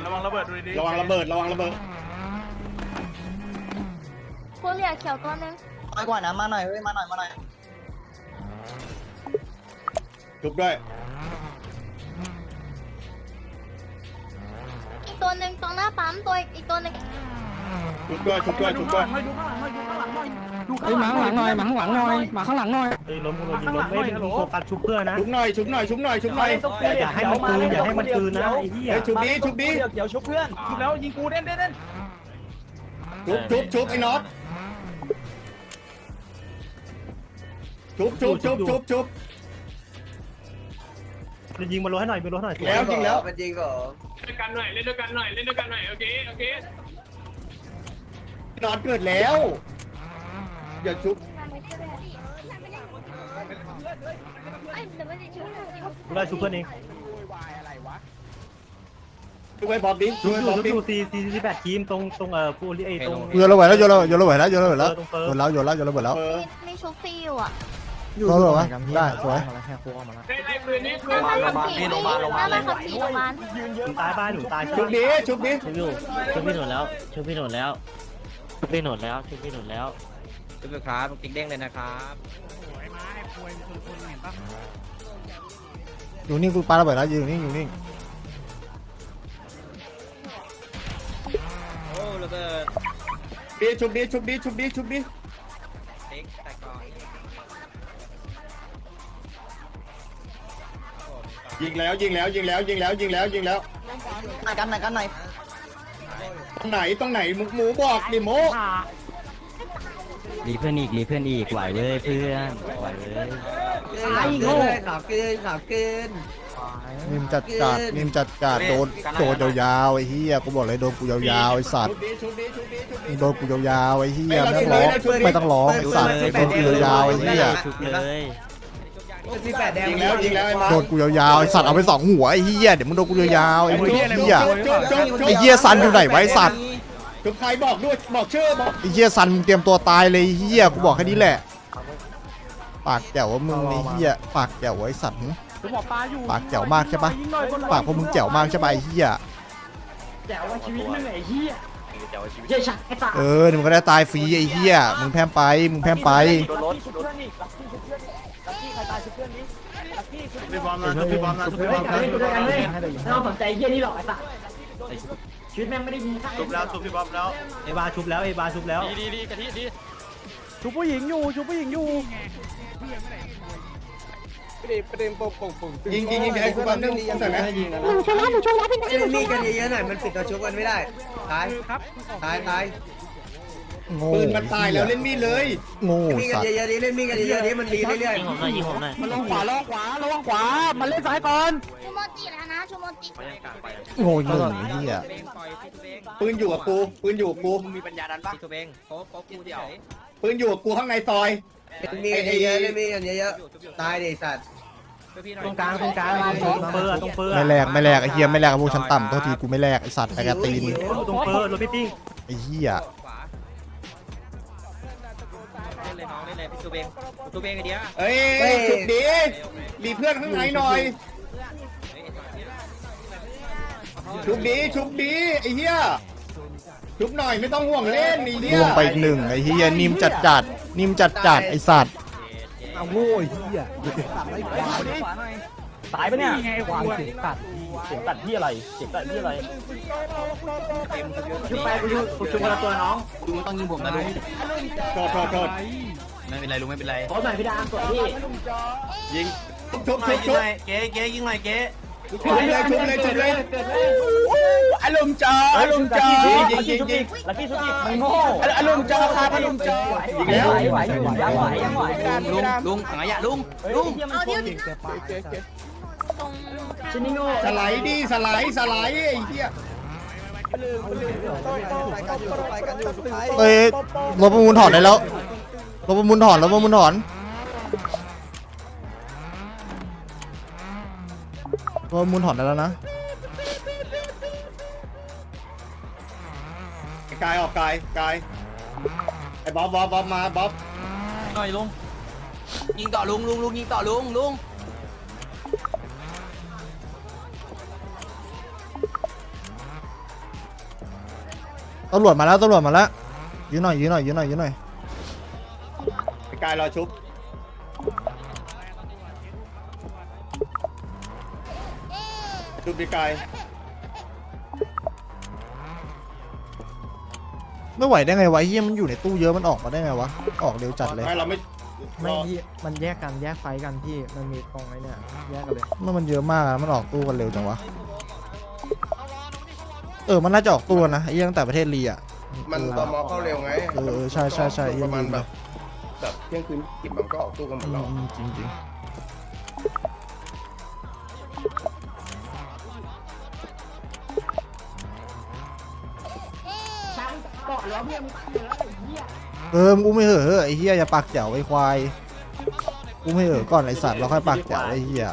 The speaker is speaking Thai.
ระวังระเบิดดูดีระวังระเบิดระวังระเบิดผู้เหลี่ยเขียวตัวนึงน้อยกว่านะมาหน่อยเว้ยมาหน่อยมาหน่อยชุบด้วยอีกตัวนึงตรงหน้าปั๊มตัวอีกตัวนึงชุบด้วยชุบด้วยชุบด้วยดูข้างหลังหน่อยดูข้างหลังหน่อยดูเฮ้ยมาข้างหลังหน่อยมาข้างหลังหน่อยมาข้างหลังหน่อยเฮ้ยล้มคนยิงล้มไม่เป็นโฟกัสชุบเพื่อนนะชุบหน่อยชุบหน่อยชุบหน่อยชุบหน่อยอย่าให้มันคืนอย่าให้มันคืนนะไอ้เหี้ยเฮ้ยชุบดีชุบดีเดี๋ยวชุบเพื่อนชุบแล้วยิงกูเด่นเด่นเด่นชุบไอ้น็อตชุบยิงมันล้ให้หน่อยมันล้ให้หน่อยแล้วยิงแล้วมันจริงเหรอเล่นด้วยกันหน่อยเล่นด้วยกันหน่อยเล่นด้วยกันหน่อยโอเคโอเคน็อตเกิดแล้วอย่าชุบกูได้ชุบเพื่อนเองชุบไอ้บอบดิชุบไอ้บอบดิชุบ48ทีมตรงฟูลี่ไอ้ตรงโยนระเบิดแล้วโยนระเบิดแล้วโยนระเบิดแล้วโยนแล้วโยนแล้วโยนระเบิดแล้วมีชุบฟรีอยู่อ่ะโยนระเบิดวะได้สวยไล่ปืนนี้หน้าบ้านขับขี่หน้าบ้านขับขี่โรงพยาบาลตายบ้านหนูตายชุบดิชุบดิชุบอยู่ชุบพี่หนุนแล้วชุบพี่หนุนแล้วชุบพี่หนุนแล้วชุบพี่หนุนแล้วจุ๊บครับติ๊กเด้งเลยนะครับอยู่นิ่งกูปาระเบิดแล้วอยู่นิ่งอยู่นิ่งโอ้ระเบิดดิชุบดิชุบดิชุบดิชุบดิติ๊กแต่ก่อนยิงแล้วยิงแล้วยิงแล้วยิงแล้วยิงแล้วยิงแล้วไหนกันไหนกันไหนตรงไหนหมูบอกดิโมรีเพื่อนอีกไหวเลยเพื่อนไหวเลยไอ้โง่ขับเกินนิ่มจัดโดนยาวๆไอ้เหี้ยกูบอกเลยโดนกูยาวๆไอ้สัตว์ชุบดิชุบดิชุบดิโดนกูยาวๆไอ้เหี้ยไม่ต้องร้องไอ้สัตว์โดนกูยาวๆไอ้เหี้ยชุบเลย 18แดงยิงแล้วไอ้มาโดนกูยาวๆไอ้สัตว์เอาไป2หัวไอ้เหี้ยเดี๋ยวมึงโดนกูยาวๆไอ้เหี้ยชุบไอ้เหี้ยซันอยู่ไหนไว้สัตว์ชุบใครบอกด้วยบอกชื่อบอกไอ้เหี้ยซันมึงเตรียมตัวตายเลยไอ้เหี้ยกูบอกแค่นี้แหละปากแจ๋วว่ามึงไอ้เหี้ยปากแจ๋วไอ้สัตว์ผมบอกปลาอยู่ปากแจ๋วมากใช่ปะปากพวกมึงแจ๋วมากใช่ปะไอ้เหี้ยแจ๋วว่าชีวิตมึงไอ้เหี้ยเดี๋ยวมึงก็ได้ตายฟรีไอ้เหี้ยมึงแพมไปมึงแพมไปชุบเพื่อนอีกลักกี้ใครตายชุบเพื่อนนี้ลักกี้ชุบพี่บอมนะพี่บอมนะพี่บอมนะไม่ต้องสนใจเยี่ยนี่หรอกไอ้สัสชีวิตแม่งไม่ได้มีค่าชุบแล้วชุบพี่บอมแล้วไอ้บาชุบแล้วไอ้บาชุบแล้วดีกะทิดีชุบผู้หญิงอยู่ชุบผู้หญิงอยู่ยิงไอ้กูแป๊บนึงใส่ไหมเล่นมีกันเยอะๆหน่อยมันปิดตัวชุบกันไม่ได้ตายตายโง่ปืนมันตายแล้วเล่นมีดเลยโง่มีกันสัตว์เยอะๆดิเล่นมีกันเยอะๆดิมันดีเรื่อยยิงผมหน่อยยิงผมหน่อยมันลงขวามันเล่นซ้ายก่อนชูโมจิแล้วนะชูโมจิโง่ยิงไอ้เหี้ยปืนอยู่กับกูปืนอยู่กับกูมีปัญญาดันปะตัวเองโป๊ะกูเดียวปืนอยู่กับกูข้างในซอยมีกันเยอะๆเล่นมีกันเยอะๆตายดิสัตว์ตรงกลางตรงเปอร์ตรงเปอร์ไม่แลกไอ้เหี้ยไม่แลกกับพวกชั้นต่ำโทษทีกูไม่แลกไอ้สัตว์ไอ้กระตีนตรงเปอร์รถพี่ติ้งไอ้เหี้ยเล่นเลยน้องเล่นเลยพี่ตัวเองตัวเองไอเดียเอ้ยจุดดีมีเพื่อนข้างในหน่อยชุบดีไอ้เหี้ยชุบหน่อยไม่ต้องห่วงเล่นไอ้เหี้ยล่วงไปอีก1ไอ้เหี้ยนิ่มจัดไอ้สัตว์เอาโง่ไอ้เหี้ยตายปะเนี่ยควายเสียงตัดที่อะไรเสียงตัดที่อะไรชุบไปกูชุบคนละตัวน้องลุงต้องยิงผมนะลุงโทษไม่เป็นไรลุงไม่เป็นไรขอหน่อยพี่ดามสวยพี่ยิงชุบเก๊ยิงหน่อยเก๊ชุบเลยอารมณ์จ้าอารมณ์จ้ายิงลักกี้ชุบอีกมันโง่อารมณ์จ้าครับอารมณ์จ้าไหวอยู่ยังไหวลุงขังขยะลุงเอาเดี๋ยวตรงชินิโง่สไลด์ไอ้เหี้ยเอ้ยรถประมูลถอนได้แล้วรถประมูลถอนรถประมูลถอนได้แล้วนะกายออกกายไอ้บ๊อบมาบ๊อบหน่อยลุงยิงต่อลุงยิงต่อลุงกตำรวจมาแล้วยืนหน่อยยืนหน่อยยืนหน่อยยืนหน่อยไอ้กายรอชุบชุบดิกายไม่ไหวได้ไงวะเฮียมันอยู่ในตู้เยอะมันออกมาได้ไงวะออกเร็วจัดเลยไม่เราไม่ไม่พี่มันแยกกันแยกไฟกันพี่มันมีตรงไอ้เนี่ยแยกกันเลยมันเยอะมากอะมันออกตู้กันเร็วจังวะมันน่าจะออกตู้นะไอ้เหี้ยตั้งแต่ประเทศลีอ่ะมันตมเข้าเร็วไงใช่ใช่ใช่ประมาณแบบเที่ยงคืนกิบมันก็ออกตู้กันหมดแล้วจริงจริงมึงอุ้มไม่เหอะไอ้เหี้ยอย่าปากแจ๋วไอ้ควายอุ้มไม่เหอะก่อนไอ้สัตว์เราค่อยปากแจ๋วไอ้เหี้ย